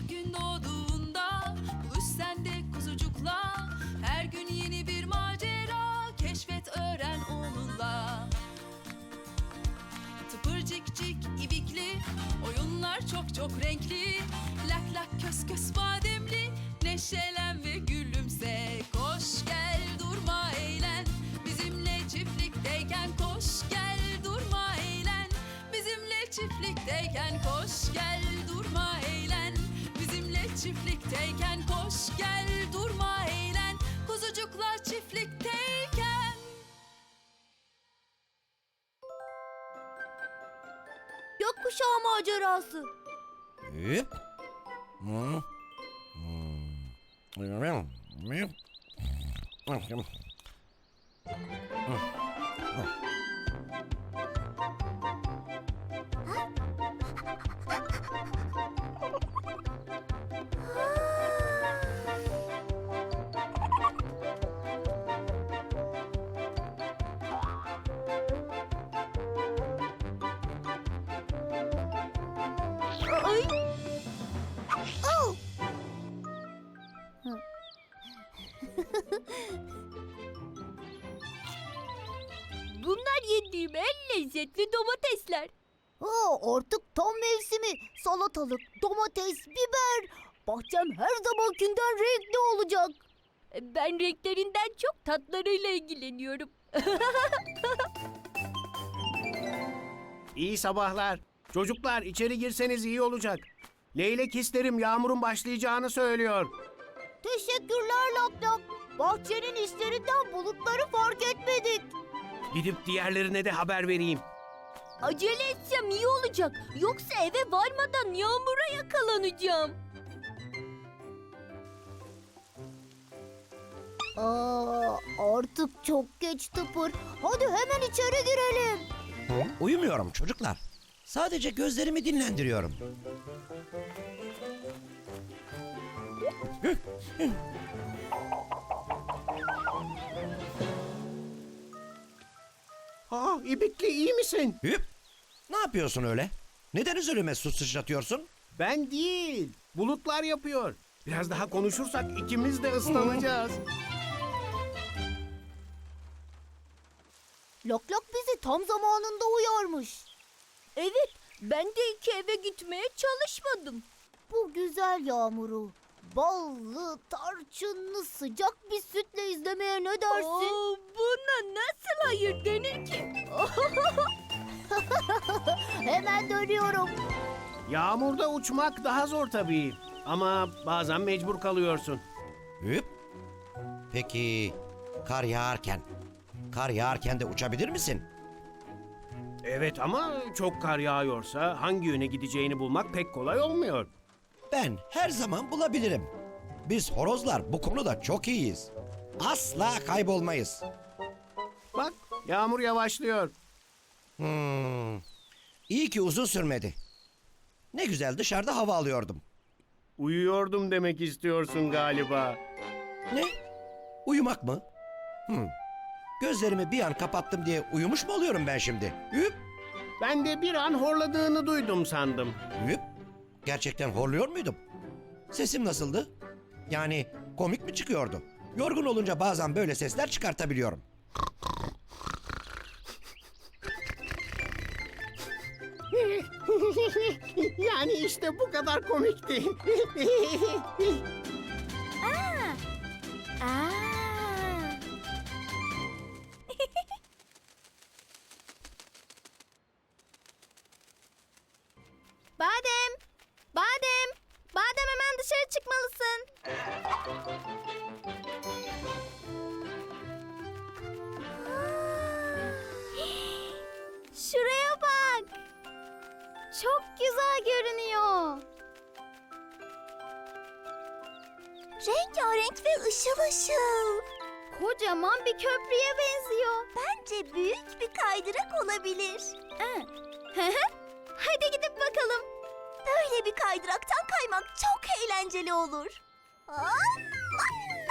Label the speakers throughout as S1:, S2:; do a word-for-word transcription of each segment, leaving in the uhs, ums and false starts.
S1: gün doğduğunda buluş sen de kuzucukla. Her gün yeni bir macera, keşfet öğren onunla. Tıpırcıkcık ibikli, oyunlar çok çok renkli. Lak lak kös kös bademli, neşelen ve gülümse. Koş gel durma eğlen, bizimle çiftlikteyken. Koş gel durma eğlen, bizimle çiftlikteyken. Koş gel durma eğlen, bizimle çiftlikteyken. Koş gel durma eğlen, kuzucuklar çiftlikteyken.
S2: Gökkuşağı macerası.
S3: Hüp. Hı. Hı.
S2: Ay. Au. Bunlar yediğim en lezzetli domatesler.
S4: Aa, artık tam mevsimi. Salatalık, domates, biber. Bahçem her zamankinden renkli olacak.
S2: Ben renklerinden çok tatlarıyla ilgileniyorum.
S5: İyi sabahlar. Çocuklar içeri girseniz iyi olacak. Leylek hislerim yağmurun başlayacağını söylüyor.
S4: Teşekkürler Lak Lak. Bahçenin işlerinden bulutları fark etmedik.
S5: Gidip diğerlerine de haber vereyim.
S2: Acele etsem iyi olacak. Yoksa eve varmadan yağmura yakalanacağım.
S4: Aa, artık çok geç Tıpır. Hadi hemen içeri girelim.
S3: Uyumuyorum çocuklar. Sadece gözlerimi dinlendiriyorum.
S5: Ha, İbikli iyi misin?
S3: Hüp. Ne yapıyorsun öyle? Neden üzerime su sıçratıyorsun?
S5: Ben değil. Bulutlar yapıyor. Biraz daha konuşursak ikimiz de ıslanacağız.
S4: Lak Lak bizi tam zamanında uyarmış.
S2: Evet, ben de iki eve gitmeye çalışmadım.
S4: Bu güzel yağmuru ballı, tarçınlı sıcak bir sütle izlemeye ne dersin?
S2: Oo, buna nasıl hayır denir ki?
S4: Hemen dönüyorum.
S5: Yağmurda uçmak daha zor tabii. Ama bazen mecbur kalıyorsun.
S3: Hüp. Peki kar yağarken, kar yağarken de uçabilir misin?
S5: Evet ama çok kar yağıyorsa hangi yöne gideceğini bulmak pek kolay olmuyor.
S3: Ben her zaman bulabilirim. Biz horozlar bu konuda çok iyiyiz. Asla kaybolmayız.
S5: Bak yağmur yavaşlıyor.
S3: Hmm. İyi ki uzun sürmedi. Ne güzel dışarıda hava alıyordum.
S5: Uyuyordum demek istiyorsun galiba.
S3: Ne? Uyumak mı? Hmm. Gözlerimi bir an kapattım diye uyumuş mu oluyorum ben şimdi? Hüp.
S5: Ben de bir an horladığını duydum sandım.
S3: Hüp. Gerçekten horluyor muydum? Sesim nasıldı? Yani komik mi çıkıyordu? Yorgun olunca bazen böyle sesler çıkartabiliyorum.
S5: Yani işte bu kadar komikti.
S2: Aa.
S4: Badem, Badem, Badem hemen dışarı çıkmalısın. Şuraya bak. Çok güzel görünüyor. Rengarenk ve ışıl ışıl. Kocaman bir köprüye benziyor. Bence büyük bir kaydırak olabilir. Hadi gidip bakalım. Böyle bir kaydıraktan kaymak çok eğlenceli olur.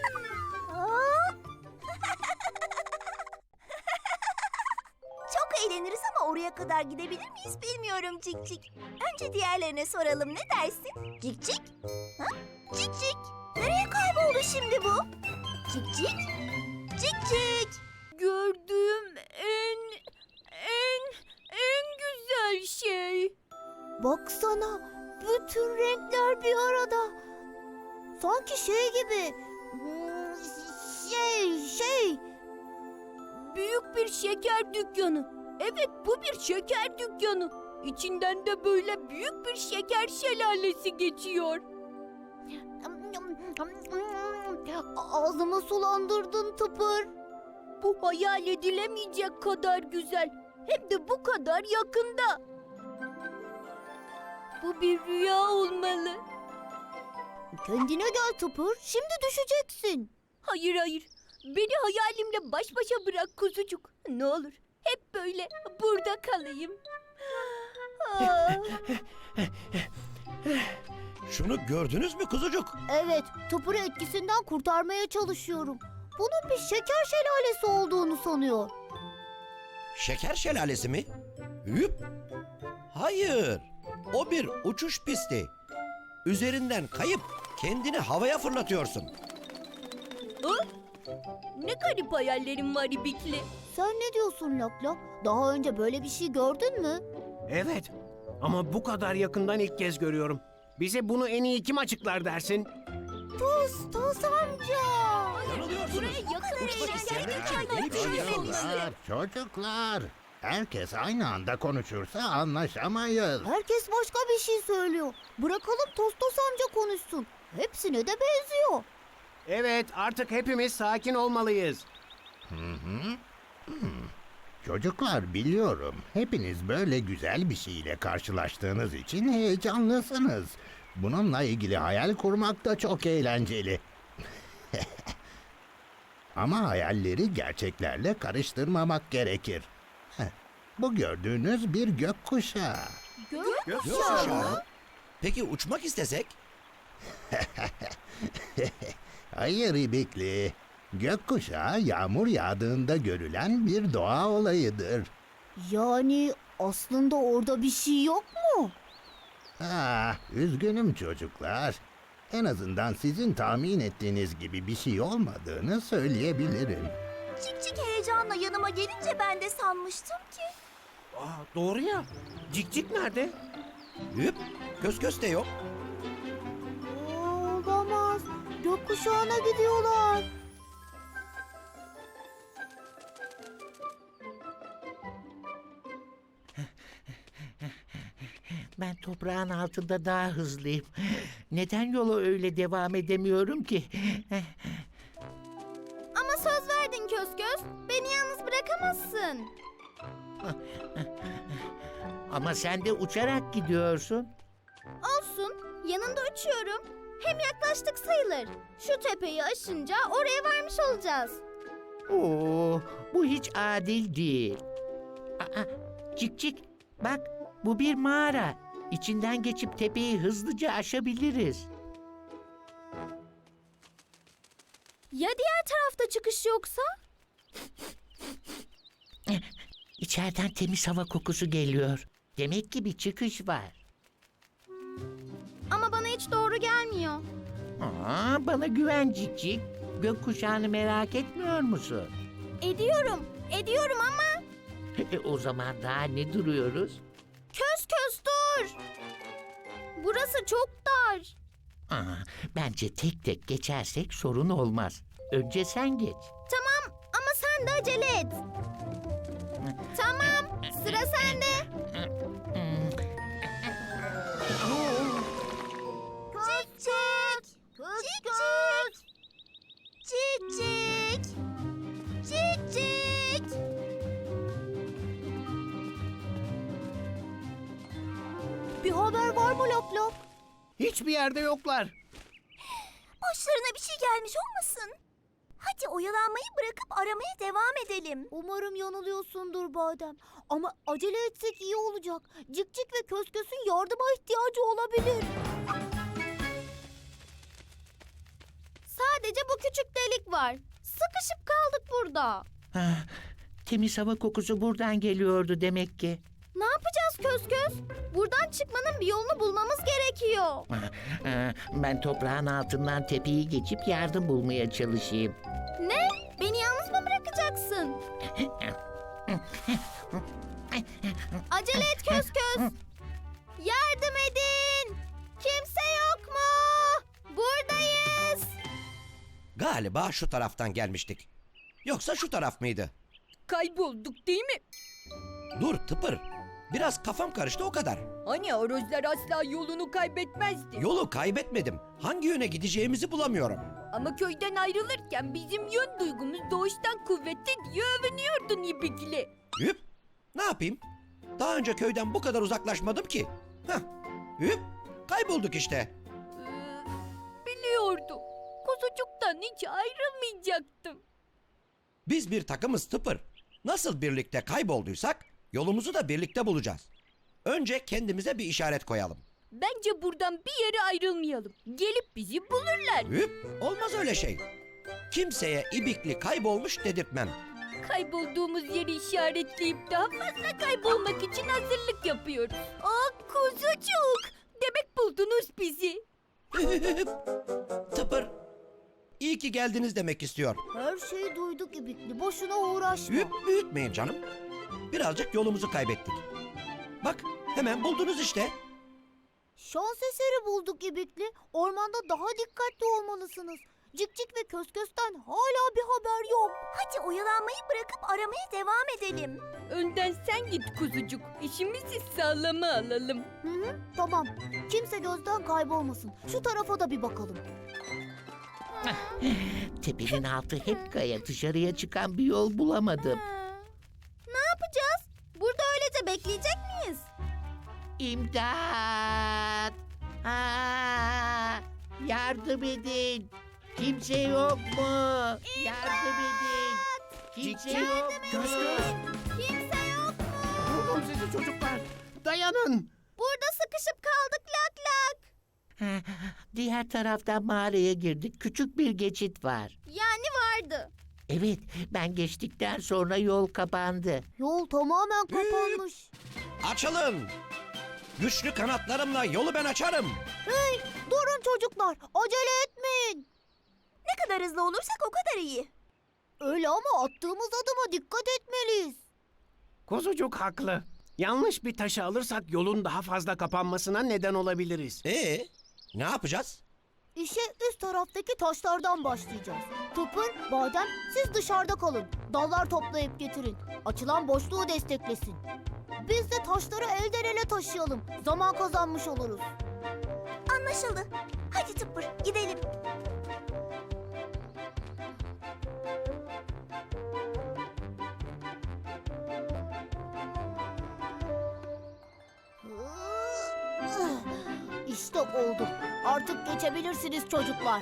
S4: Çok eğlenceli.
S6: eğleniriz ama oraya kadar gidebilir miyiz bilmiyorum Cik Cik. Önce diğerlerine soralım, ne dersin? Cik Cik? Ha? Cik Cik? Nereye kayboldu şimdi bu? Cik Cik? Cik Cik?
S2: Gördüğüm en, en, en güzel şey.
S4: Baksana, bütün renkler bir arada. Sanki şey gibi. hmm, Şey, şey.
S2: Büyük bir şeker dükkanı. Evet, bu bir şeker dükkanı. İçinden de böyle büyük bir şeker şelalesi geçiyor.
S4: Ağzımı sulandırdın Tıpır.
S2: Bu hayal edilemeyecek kadar güzel. Hem de bu kadar yakında. Bu bir rüya olmalı.
S4: Kendine gel Tıpır, şimdi düşeceksin.
S2: Hayır hayır. Beni hayalimle baş başa bırak kuzucuk. Ne olur hep böyle burada kalayım. Ah.
S3: Şunu gördünüz mü kuzucuk?
S4: Evet, Tıpır'ı etkisinden kurtarmaya çalışıyorum. Bunun bir şeker şelalesi olduğunu sanıyor.
S3: Şeker şelalesi mi? Hüp. Hayır. O bir uçuş pisti. Üzerinden kayıp kendini havaya fırlatıyorsun.
S2: Ah! Ne garip hayallerim var İbikli.
S4: Sen ne diyorsun Lakla? Daha önce böyle bir şey gördün mü?
S5: Evet. Ama bu kadar yakından ilk kez görüyorum. Bize bunu en iyi kim açıklar dersin?
S4: Toz, Toz amca.
S3: Yanılıyorsunuz.
S2: Buraya yakın
S3: Uçmak
S2: eğlenceli
S3: isteyenler için
S2: hikayeler
S3: yeni bir şey
S2: düşünmemiştim.
S3: yapıyorlar.
S7: Çocuklar, çocuklar. Herkes aynı anda konuşursa anlaşamayız.
S4: Herkes başka bir şey söylüyor. Bırakalım Toz Toz amca konuşsun. Hepsine de benziyor.
S5: Evet, artık hepimiz sakin olmalıyız.
S7: Hı hı. Hmm. Çocuklar, biliyorum. Hepiniz böyle güzel bir şeyle karşılaştığınız için heyecanlısınız. Bununla ilgili hayal kurmak da çok eğlenceli. Ama hayalleri gerçeklerle karıştırmamak gerekir. Heh, bu gördüğünüz bir gökkuşağı.
S3: Gökkuşağı mı? Peki uçmak istesek?
S7: Hayır İbikli. Gökkuşağı yağmur yağdığında görülen bir doğa olayıdır.
S4: Yani aslında orada bir şey yok mu?
S7: Ah, üzgünüm çocuklar. En azından sizin tahmin ettiğiniz gibi bir şey olmadığını söyleyebilirim.
S6: Cik Cik heyecanla yanıma gelince ben de sanmıştım ki.
S5: Aa, doğru ya. Cik Cik nerede?
S3: Hüp. Köz köz de yok.
S4: Olamaz. Gökkuşağına gidiyorlar.
S8: Ben toprağın altında daha hızlıyım. Neden yola öyle devam edemiyorum ki?
S6: Ama söz verdin Kösköz. Beni yalnız bırakamazsın.
S8: Ama sen de uçarak gidiyorsun.
S6: Olsun, yanında uçuyorum. Hem yaklaştık sayılır. Şu tepeyi aşınca oraya varmış olacağız.
S8: Oo, bu hiç adil değil. Aa, cik cik, bak bu bir mağara. İçinden geçip tepeyi hızlıca aşabiliriz.
S6: Ya diğer tarafta çıkış yoksa?
S8: İçeriden temiz hava kokusu geliyor. Demek ki bir çıkış var.
S6: Ama bana hiç doğru gelmiyor.
S8: Aa, bana güven cik cik. Gökkuşağını merak etmiyor musun?
S6: Ediyorum, ediyorum ama
S8: E, o zaman daha ne duruyoruz?
S6: köz köz dur. Burası çok dar.
S8: Aa, bence tek tek geçersek sorun olmaz. Önce sen geç.
S6: Tamam ama sen de acele et. Tamam, sıra sende. Cik cik. Cik cik. Cik cik. Cik cik.
S4: Bir haber var mı Lap Lap?
S5: Hiçbir yerde yoklar.
S6: Başlarına bir şey gelmiş olmasın? Hadi oyalanmayı bırakıp aramaya devam edelim.
S4: Umarım yanılıyorsundur Badem. Ama acele etsek iyi olacak. Cik Cik ve Kösköz'ün yardıma ihtiyacı olabilir.
S6: Sadece bu küçük delik var. Sıkışıp kaldık burada.
S8: Ah, Temiz hava kokusu buradan geliyordu demek ki.
S4: Ne yapacağız Kösköz? Buradan çıkmanın bir yolunu bulmamız gerekiyor.
S8: Ee, Ben toprağın altından tepeyi geçip yardım bulmaya çalışayım.
S4: Ne? Beni yalnız mı bırakacaksın? Acele et Kösköz. Yardım edin. Kimse yok mu? Buradayız.
S3: Galiba şu taraftan gelmiştik. Yoksa şu taraf mıydı?
S2: Kaybolduk değil mi?
S3: Dur Tıpır. Biraz kafam karıştı o kadar.
S2: Hani horozlar asla yolunu kaybetmezdi.
S3: Yolu kaybetmedim. Hangi yöne gideceğimizi bulamıyorum.
S2: Ama köyden ayrılırken bizim yön duygumuz doğuştan kuvvetli diye övünüyordun İbikli.
S3: Hüp. Ne yapayım? Daha önce köyden bu kadar uzaklaşmadım ki. Heh. Hüp. Kaybolduk işte.
S2: Ee, biliyordum. Kuzucuktan hiç ayrılmayacaktım.
S3: Biz bir takımız Tıpır. Nasıl birlikte kaybolduysak yolumuzu da birlikte bulacağız. Önce kendimize bir işaret koyalım.
S2: Bence buradan bir yere ayrılmayalım. Gelip bizi bulurlar.
S3: Hüp. Olmaz öyle şey. Kimseye İbikli kaybolmuş dedirtmem.
S2: Kaybolduğumuz yeri işaretleyip daha fazla kaybolmak için hazırlık yapıyoruz. Aa kuzucuk! Demek buldunuz bizi.
S3: Tıpır. İyi ki geldiniz demek istiyor.
S4: Her şeyi duyduk İbikli. Boşuna uğraşma.
S3: Hüp büyütmeyin canım. Birazcık yolumuzu kaybettik. Bak hemen buldunuz işte.
S4: Şans eseri bulduk İbikli. Ormanda daha dikkatli olmalısınız. Cikcik ve Kösköz'ten hala bir haber yok.
S6: Hadi oyalanmayı bırakıp aramaya devam edelim.
S2: Önden sen git kuzucuk. İşimizi sağlama alalım.
S4: Hı hı, tamam. Kimse gözden kaybolmasın. Şu tarafa da bir bakalım.
S8: Tepenin altı hep kaya, dışarıya çıkan bir yol bulamadım.
S4: Ne yapacağız? Burada öylece bekleyecek miyiz?
S8: İmdat! Aa, yardım edin! Kimse yok mu? Yardım edin! Kimse yok mu?
S5: Kösköz.
S4: Kimse yok mu?
S5: Buldum sizi çocuklar. Dayanın.
S4: Burada sıkışıp kaldık lak lak.
S8: Diğer taraftan mağaraya girdik. Küçük bir geçit var.
S4: Yani vardı.
S8: Evet, ben geçtikten sonra yol kapandı.
S4: Yol tamamen kapanmış.
S3: Açılın. Güçlü kanatlarımla yolu ben açarım.
S4: Hey, durun çocuklar. Acele etmeyin.
S6: Ne kadar hızlı olursak o kadar iyi.
S4: Öyle ama attığımız adıma dikkat etmeliyiz.
S5: Kuzucuk haklı. Yanlış bir taşı alırsak yolun daha fazla kapanmasına neden olabiliriz.
S3: Ee, ne yapacağız?
S4: İşe üst taraftaki taşlardan başlayacağız. Tıpır, Badem siz dışarıda kalın. Dallar toplayıp getirin. Açılan boşluğu desteklesin. Biz de taşları elden ele taşıyalım. Zaman kazanmış oluruz.
S6: Anlaşıldı. Hadi Tıpır gidelim.
S4: İşte oldu. Artık geçebilirsiniz çocuklar.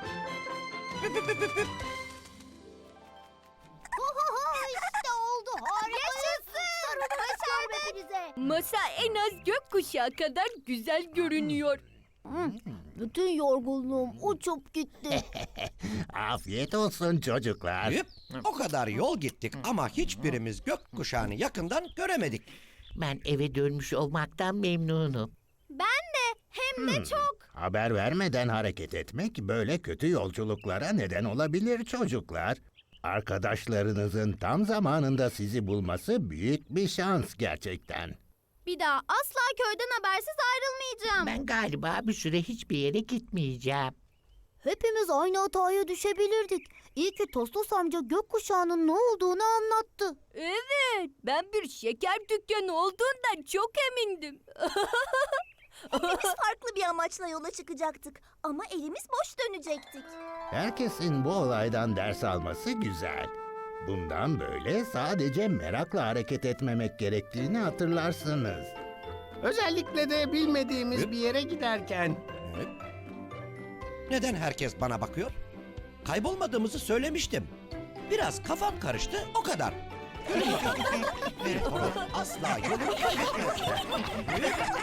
S4: işte oldu. Harikayız. Sarılın hepinize.
S2: Masa en az gökkuşağı kadar güzel görünüyor.
S4: Hı, bütün yorgunluğum uçup gitti.
S7: Afiyet olsun çocuklar.
S3: Hüp. O kadar yol gittik ama hiçbirimiz gökkuşağını yakından göremedik.
S8: Ben eve dönmüş olmaktan memnunum.
S4: Ben de. Hem de çok.
S7: Haber vermeden hareket etmek böyle kötü yolculuklara neden olabilir çocuklar. Arkadaşlarınızın tam zamanında sizi bulması büyük bir şans gerçekten.
S4: Bir daha asla köyden habersiz ayrılmayacağım.
S8: Ben galiba bir süre hiçbir yere gitmeyeceğim.
S4: Hepimiz aynı hataya düşebilirdik. İyi ki Tostos amca gökkuşağının ne olduğunu anlattı.
S2: Evet, ben bir şeker dükkanı olduğundan çok emindim.
S6: Hepimiz farklı bir amaçla yola çıkacaktık. Ama elimiz boş dönecektik.
S7: Herkesin bu olaydan ders alması güzel. Bundan böyle sadece merakla hareket etmemek gerektiğini hatırlarsınız.
S5: Özellikle de bilmediğimiz bir yere giderken.
S3: Neden herkes bana bakıyor? Kaybolmadığımızı söylemiştim. Biraz kafam karıştı o kadar. Bir horoz asla yolunu kaybetmez.